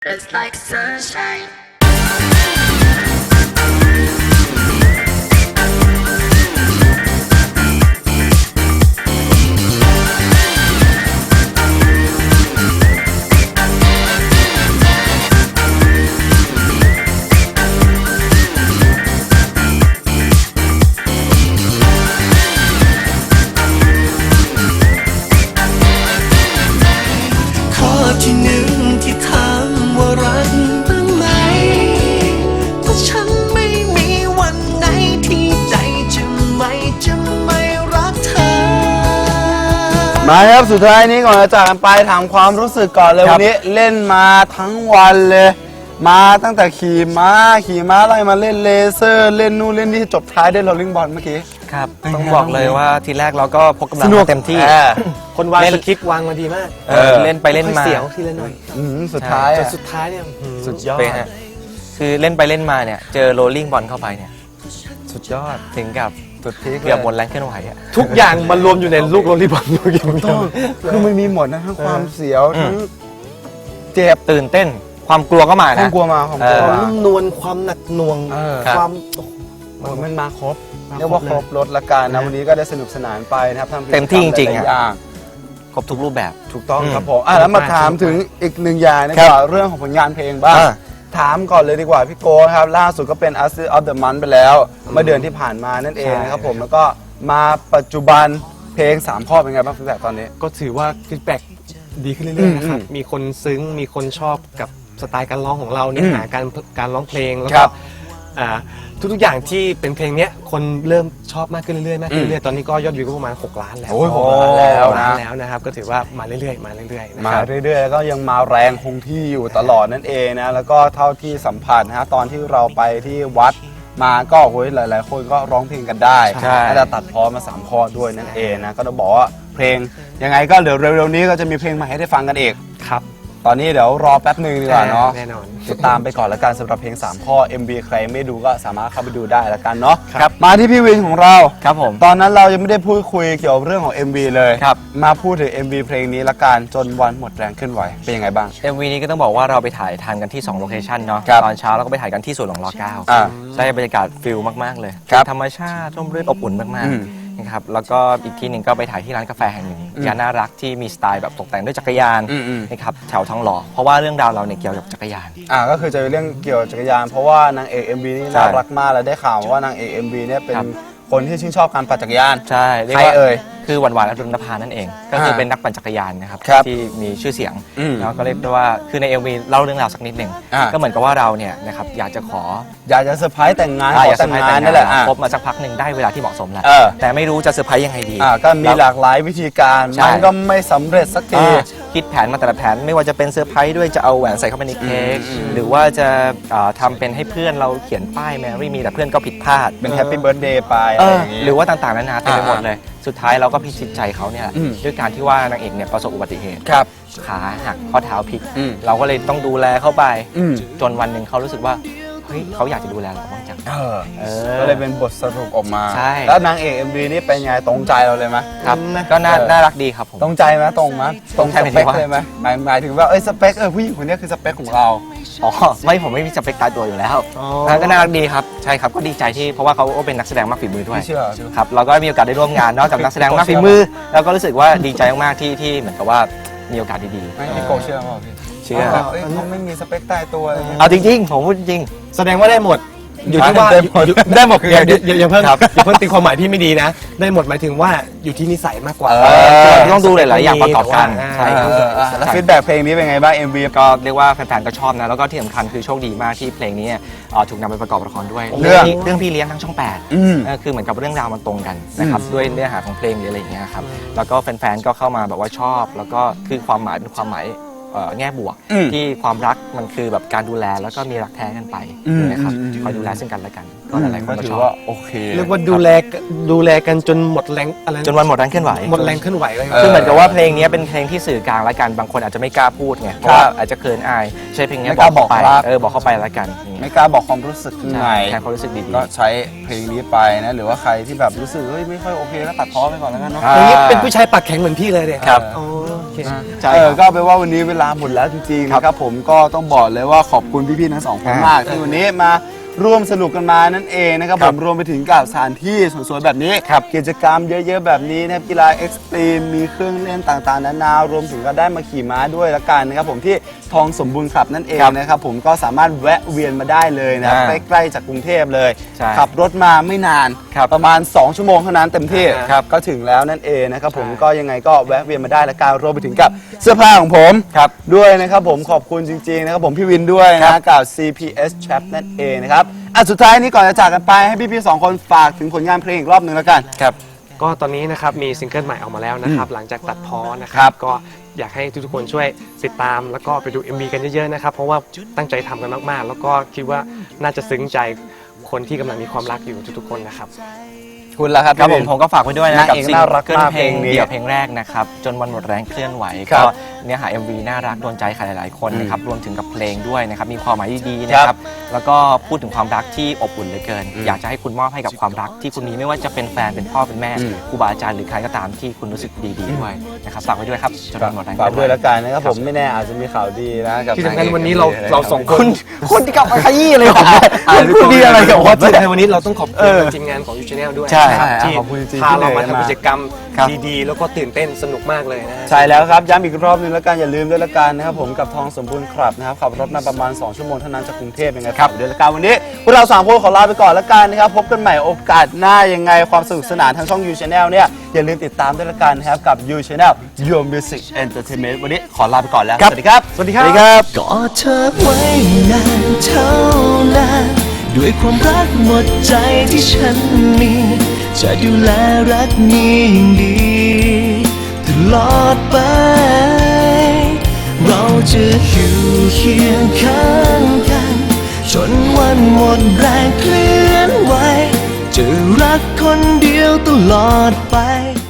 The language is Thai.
It's like sunshine. ข้อที่หนึ่งที่ถามว่ารักบ้างไหมเพราะฉันไม่มีวันไหนที่ใจจะไม่รักเธอมาครับสุดท้ายนี้ก่อนจะจากกันไปถามความรู้สึกก่อนเลยวันนี้เล่นมาทั้งวันเลย มาตั้งแต่ขี่ม้าไล่มาเล่นเลเซอร์เล่นนู่นเล่นนี่จบท้ายได้โรลลิ่งบอลเมื่อกี้ครับต้องบอกเลยว่าทีแรกเราก็พกกำลังสนุกมาเต็มที่คนวางเล่นสคริปต์วางมาดีมากเล่นไปเล่นมาเสียวทีละหน่อยสุดท้ายจอะนสุดท้ายเนี่ยสุดยอดไปฮะคือเล่นไปเล่นมาเนี่ยเจอโรลลิ่งบอลเข้าไปเนี่ยสุดยอดถึงกับสุดพีคเกือบหมดแรงเคลื่อนไหวอะทุกอย่างมันรวมอยู่ในลูกโรลลี่บอลลูกเดียวคือมันมีหมดนะทั้งความเสียวทั้งเจ็บตื่นเต้นความกลัวก็มาความนะกลัวมาความกลัวความมานุ่มนวลความหนักหน่วงครับความมันมาครบเรียกว่าครบรถละกันนะวันนี้ก็ได้สนุกสนานไปนะครับทำเต็มที่จริงๆหอะลายๆอย่างครบทุกรูปแบบถูกต้องครับผมแล้วมาถามถึงอีกหนึ่งอย่างนะคครัรับบ เรื่องของผลงานเพลงบ้าง ถามก่อนเลยดีกว่าพี่โก้ครับล่าสุดก็เป็น Artist of the Month ไปแล้วเมื่อเดือนที่ผ่านมานั่นเองนะครับผมแล้วก็มาปัจจุบันเพลง3ข้อเป็นไงบ้างฟีดแบ็กตอนนี้ก็ถือว่าฟีดแบ็กดีขึ้นเรื่อยๆนะครับ มีคนซึ้งมีคนชอบกับสไตล์การร้องของเราเนื้อหาการร้องเพลงแล้วครัก็บทุกๆอย่างที่เป็นเพลงเนี้ยคนเริ่มชอบมากขึ้นเรื่อยๆมากขึ้นเรื่อยๆตอนนี้ก็ยอดวิวก็ประมาณ6 ล้านแล้วโอ้ย6 ล้านแล้วนะแล้วนะครับก็ถือว่ามาเรื่อยๆมาเรื่อยๆนะมาครับเรื่อยๆแล้วก็ยังมาแรงคงที่อยู่ตลอดนั่นเองนะแล้วก็เท่าที่สัมผัสนะฮะตอนที่เราไปที่วัดมาก็โอ้ยหลายๆ คนก็ร้องเพลงกันได้ใช่น่าจะตัดพ้อมา3ข้อด้วยนั่นเองนะก็ต้องบอกว่าเพลงยังไงก็เดี๋ยวเร็วๆนี้ก็จะมีเพลงใหม่ให้ได้ฟังกันอีกครับตอนนี้เดี๋ยวรอแป๊บหนึ่งดีกว่าเนาะแน่นอนติดตามไปก่อนละกันสำหรับเพลง3ข้อ MV ใครไม่ดูก็สามารถเข้าไปดูได้ละกันเนาะครับมาที่พี่วินของเราครับผมตอนนั้นเรายังไม่ได้พูดคุยเกี่ยวกับเรื่องของ MV เลยครับมาพูดถึง MV เพลงนี้ละกันจนวันหมดแรงขึ้นไหวเป็นยังไงบ้าง MV นี้ก็ต้องบอกว่าเราไปถ่ายทันกันที่2โลเคชันเนาะครับตอนเช้าเราก็ไปถ่ายกันที่สวนหลวงร9 อ่าได้บรรยากาศฟิลมากๆเลยครับธรรมชาติร่มรื่นอบอุ่นมากอืมๆนะครับแล้วก็อีกที่หนึ่งก็ไปถ่ายที่ร้านกาแฟแห่งหนึ่งย่านน่ารักที่มีสไตล์แบบตกแต่งด้วยจักรยานอืมนะครับแถวทองหล่อเพราะว่าเรื่องราวเราเนี่ยเกี่ยวกับจักรยานก็คือจะเป็นเรื่องเกี่ยวกับจักรยาน เพราะว่านางเอก MV นี่ใช่น่ารักมากแล้วได้ข่าวว่านางเอก MV เนี่ยเป็นครับคนที่ชื่นชอบการปั่นจักรยานใช่เรียกใครว่าเอ่ยคือหวานๆอรุณภานั่นเอง ก็คืออ่าเป็นนักปั่นจักรยานนะครับครับที่มีชื่อเสียงอืมแล้วก็เรียกได้ว่าคือใน MV เล่าเรื่องราวสักนิดหนึ่งอ่าก็เหมือนกับว่าเราเนี่ยนะครับอยากจะขออยากจะเซอร์ไพรส์แต่งงานขออยากแต่เซอง ร์ไพรส์งาแต่นงนี่แหละคบมาสักพักหนึ่งได้เวลาที่เหมาะสมแล้วเออแต่ไม่รู้จะเซอร์ไพรส์ยังไงดีก็มีหลากหลายวิธีการใช่มันก็ไม่สำเร็จสักทีคิดแผนมาแต่ละแผนไม่ว่าจะเป็นเซอร์ไพรส์ด้วยจะเอาแหวนใส่เข้าไปในเค้กหรือว่าจะทำเป็นให้เพื่อนเราเขียนป้ายแมรี่มีแต่เพื่อนก็ผิดพลาดเป็นแฮปปี้เบิร์ดเดย์ไปอะไรอย่างงี้หรือว่าต่างๆนานาเต็มไปหมดเลย สุดท้ายเราก็พิชิตใจเขาเนี่ยอืมด้วยการที่ว่านางเอกเนี่ยประสบอุบัติเหตุครับขาหักข้อเท้าพลิกอืมเราก็เลยต้องดูแลเขาไปอืมจนวันหนึ่งเขารู้สึกว่าเฮ้ยเขาอยากจะดูแลเราบ้างจังก็เลยเป็นบทสรุปออกมาใช่แล้วนางเอก MV นี่เป็นไงตรงใจเราเลยไหมครับก็น่ารักดีครับผมตรงใจไหมตรงไหมตรงสตรงเปใจคหมายถึงว่าเลยไหมหมายถึงว่าสเปคผู้หญิงคนนี้คือสเปคของเราอ๋อไม่ผมไม่มีสเปคตายตัวอยู่แล้วอ๋อก็น่ารักดีครับใช่ครับก็ดีใจที่เพราะว่าเขาก็เป็นนักแสดงมากฝีมือด้วยไม่เชื่อครับเราก็มีโอกาสได้ร่วมงานนอกจากนักแสดงมากฝีมือแล้วก็รู้สึกว่าดีใจมากๆที่เหมือนกับว่ามีโอกาสดีไม่พี่โกเชื่อเปล่าพี่ๆเชื่อเขาไม่มีสเปคตายตัวอะไรอย่างเงี้ยเอาจริงๆผมพูดจริงแสดงว่าได้หมด อยู่ที่ว่าได้หมดได้หมดคืออย่าเพิ่งครับอย่าเพิ่งตีความหมายที่ไม่ดีนะ ได้หมดหมายถึงว่าอยู่ที่นิสัยมากกว่าต้องดูหลายๆอย่างประกอบกันใช่ใช่ครับแล้วฟีดแบ็กเพลงนี้เป็นไงบ้าง MV ก็เรียกว่าแฟนๆก็ชอบนะแล้วก็ที่สำคัญคือโชคดีมากที่เพลงนี้เนี่ยถูกนำไปประกอบละครด้วยเรื่องเรื่องพี่เลี้ยงทั้งช่องอืม 8คือเหมือนกับเรื่องราวมันตรงกันนะครับด้วยเนื้อหาของเพลงหรืออะไรอย่างเงี้ยครับแล้วก็แฟนๆก็เข้ามาแบบว่าชอบ แล้วก็คือความหมายเป็นความหมายแง่บวกอืมที่ความรักมันคือแบบการดูแลแล้วก็มีรักแท้กันไปอืมนะครับอืมคอยดูแลซึ่งกันและกันก็หลายๆคนก็ถืชออบว่าโอเคเรียกว่าดูแลกันจนหมดแรงอะไระจนวันหมดแรงเคลื่อนไหวหมดแรงเคลื่อนไหวเลยคือเหมือนกับว่าเพลงนี้เป็นเพลงที่สื่อกลางแล้วกันบางคนอาจจะไม่กล้าพูดไงเพราะว่าอาจจะเขินอายใช้เพลงนี้ไม่กล้าเข้าไปบอกรักบอกเข้าไปแล้วกันอย่างเงี้ยไม่กล้าบอกความรู้สึกข้างในใช่แทนความรู้สึกดีๆก็ใช้เพลงนี้ไปนะหรือว่าใครที่แบบรู้สึกเฮ้ยไม่ค่อยโอเคก็ตัดพ้อไปก่อนแล้วกันเนาะอ่าอย่างนี้เป็นผู้ชายปากแข็งเหมือนพี่เลยเนี่ยครับอ๋อใช่ก็แปลว่าวันนี้เวลาหมดแล้วจริงๆนะครับผมก็ต้องบอกเลยว่าขอบคุณพี่ๆทั้งสองคนมากที่วันนี้มาร่วมสนุกกันมานั่นเองนะครับผมรวมไปถึงกับสถานที่สวยๆแบบนี้กิจกรรมเยอะๆแบบนี้นะครับกีฬาเอ็กซ์ตรีมมีเครื่องเล่นต่างๆนานารวมถึงก็ได้มาขี่ม้าด้วยละกันนะครับผมที่ทองสมบูรณ์คลับนั่นเองนะครับผมก็สามารถแวะเวียนมาได้เลยนะครับใกล้ๆจากกรุงเทพเลยขับรถมาไม่นานประมาณ2ชั่วโมงเท่านั้นเต็มที่ก็ถึงแล้วนั่นเองนะครับผมก็ยังไงก็แวะเวียนมาได้ละกันรวมไปถึงกับเสื้อผ้าของผมด้วยนะครับผมขอบคุณจริงๆนะครับผมพี่วินด้วยนะกับ CPS Chap นั่นเองนะครับสุดท้ายนี้ก่อนจะจากกันไปให้พี่ๆ2คนฝากถึงผลงานเพลงอีกรอบหนึ่งแล้วกันครับก็ตอนนี้นะครับมีซิงเกิลใหม่ออกมาแล้วนะครับหลังจากตัดพ้อนะครับก็อยากให้ทุกๆคนช่วยติดตามแล้วก็ไปดู MV กันเยอะๆนะครับเพราะว่าตั้งใจทำกันมากๆแล้วก็คิดว่าน่าจะซึ้งใจคนที่กำลังมีความรักอยู่ทุกๆคนนะครับคุณล่ะครับครับผมก็ฝากไว้ด้วยนะกับซิงน่ารักเกิลมากเพลงเพลงนี้เดี่ยวเพลงแรกนะครับจนวันหมดแรงเคลื่อนไหวก็เนื้อหา MV น่ารักโดนใจใครหลายๆคนนะครับรวมถึงกับเพลงด้วยนะครับมีความหมายดีๆนะครับแล้วก็พูดถึงความรักที่อบอุ่นเหลือเกินอยากจะให้คุณมอบให้กับความรักที่คุณมีไม่ว่าจะเป็นแฟนเป็นพ่อเป็นแม่ครูบาอาจารย์หรือใครก็ตามที่คุณรู้สึกดีๆด้วยนะครับฝากไว้ด้วยครับจนวันหมดแรงฝากด้วยละกันนะครับผมไม่แน่อาจจะมีข่าวดีนะกับที่สำคัญวันนี้เราสองคนคุณที่กลับมาขยี้เลยคุณดีอะไรกับว่าในวันนี้เราต้องขอบคุณทีมงานของ YouChannel ด้วยใช่นะครับที่ขอบคุณจริงๆพาเรามาที่เลยทำกิจกรรมครับดีๆแล้วก็ตื่นเต้นสนุกมากเลยนะใช่แล้วครับย้ำอีกรอบนึงแล้วกันอย่าลืมด้วยละกันนะครับผมกับทองสมบูรณ์ครับนะครับขับรถมาประมาณ2ชั่วโมงเท่านั้นจากกรุงเทพยังไงครับด้วยละกันวันนี้พวกเรา3คนขอลาไปก่อนละกันนะครับพบกันใหม่โอกาสหน้ายังไงความสนุกสนานทางช่อง YouChannel เนี่ยอย่าลืมติดตามด้วยละกันนะครับกับ YouChannel Your Music Entertainment วันนี้ขอลาไปก่อนแล้วสวัสดีครับสวัสดีครับกอดเธอไว้นานเท่านานด้วยความรักหมดใจที่ฉันมีจะดูแลรักนี้อย่างดีตลอดไปเราจะอยู่เคียงข้างกันจนวันหมดแรงเคลื่อนไหวจะรักคนเดียวตลอดไป